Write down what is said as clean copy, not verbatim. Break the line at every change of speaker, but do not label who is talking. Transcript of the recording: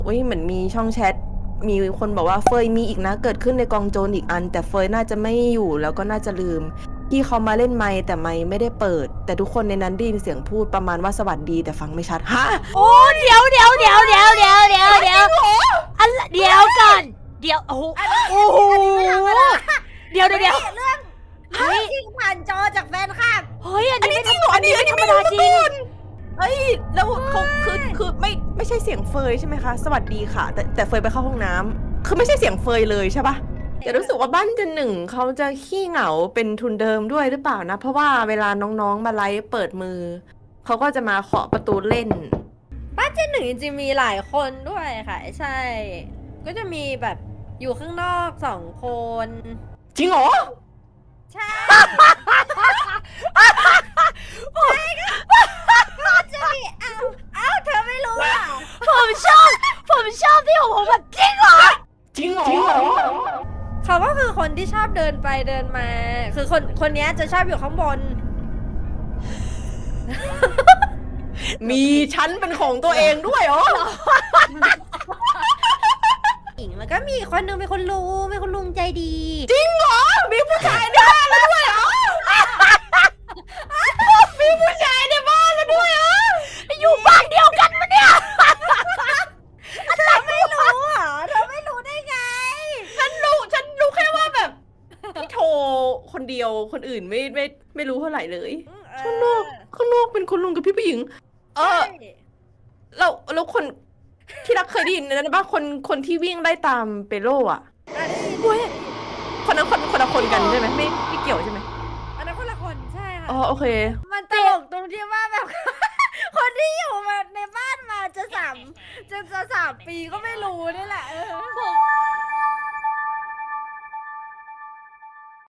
อุ้ยเหมือนมีช่องแชทมีคนบอกว่าเฟยมีอีกนะเกิดขึ้นในกองโจรอีกอันแต่เฟยน่าจะไม่อยู่แล้วก็น่าจะลืมที่เขามาเล่นไมค์แต่ไมค์ไม่ได้เปิดแต่ทุกคนในนั้นได้ยินเสียงพูดประมาณว่าสวัสดีแต่ฟังไม่ชัดฮะ
โอ้เดี๋ยวเดี๋ยวอะไรเดี๋ยวก่อนเดี๋ยวโอ้โหเดี๋ยว
เรื่องจริงผ่านจอจากแฟนคลับ
เฮ้ยอันนี้
จริงเหรออันนี้
ธรรม
ไม่
ดา
รู้
จริ
มาก่
ง
อนเอ้ยแล้วเขาคือไม่ใช่เสียงเฟยใช่ไหมคะสวัสดีค่ะแต่เฟยไปเข้าห้องน้ำคือไม่ใช่เสียงเฟยเลยใช่ปะแต่รู้สึกว่าบ้านจันหนึ่งเขาจะขี้เหงาเป็นทุนเดิมด้วยหรือเปล่านะเพราะว่าเวลาน้องๆมาไลฟ์เปิดมือเขาก็จะมาเคาะประตูเล่น
บ้านเจนหนึ่งจริงๆมีหลายคนด้วยค่ะใช่ ก็จะมีแบบอยู่ข้างนอก2 คน
จริงเหรอ
ใช่ก็จะมีอ้าวเธอไม่รู้อ่ะ
ผมชอบที่ผมแบบจริงเหรอ
จริงเหรอ
เขาก็คือคนที่ชอบเดินไปเดินมา คือคนเนี้ยจะชอบอยู่ข้างบน
มีชั้นเป็นของตัวเองด้วยเหรอ
หญิงแล้วก็มีคนหนึงเป็นคนลุงใจดี
จริงเหรอมีผู้ชายในบ้านแล้วด้วยเหรอมีผู้ชายในบ้านแล้วด้วยเหรอ
อยู่บ้านเดียวกันมะเนี่ย
เธอไม่รู้เหรอเธอไม่รู้ได้ไง
ฉันรู้แค่ว่าแบบพี่โทรคนเดียวคนอื่นไม่รู้เท่าไหร่เลย ข้างนอกเป็นคุณลุงกับพี่ผู้หญิง แล้วคนที่รักเคยได้ยินนะว่าคนที่วิ่งไล่ตามเปโลอ่ะเว้ยคนนั้นคนละคนกันใช่ไหมไม่เกี่ยวใช่ไหม
อันนั้นคนละคนใช่ค่ะ
อ๋อโอเค
มันตลกตรงที่ว่าแบบ คนที่อยู่มาในบ้านมาจะ3 ปีก็ไม่รู้นี่แหละ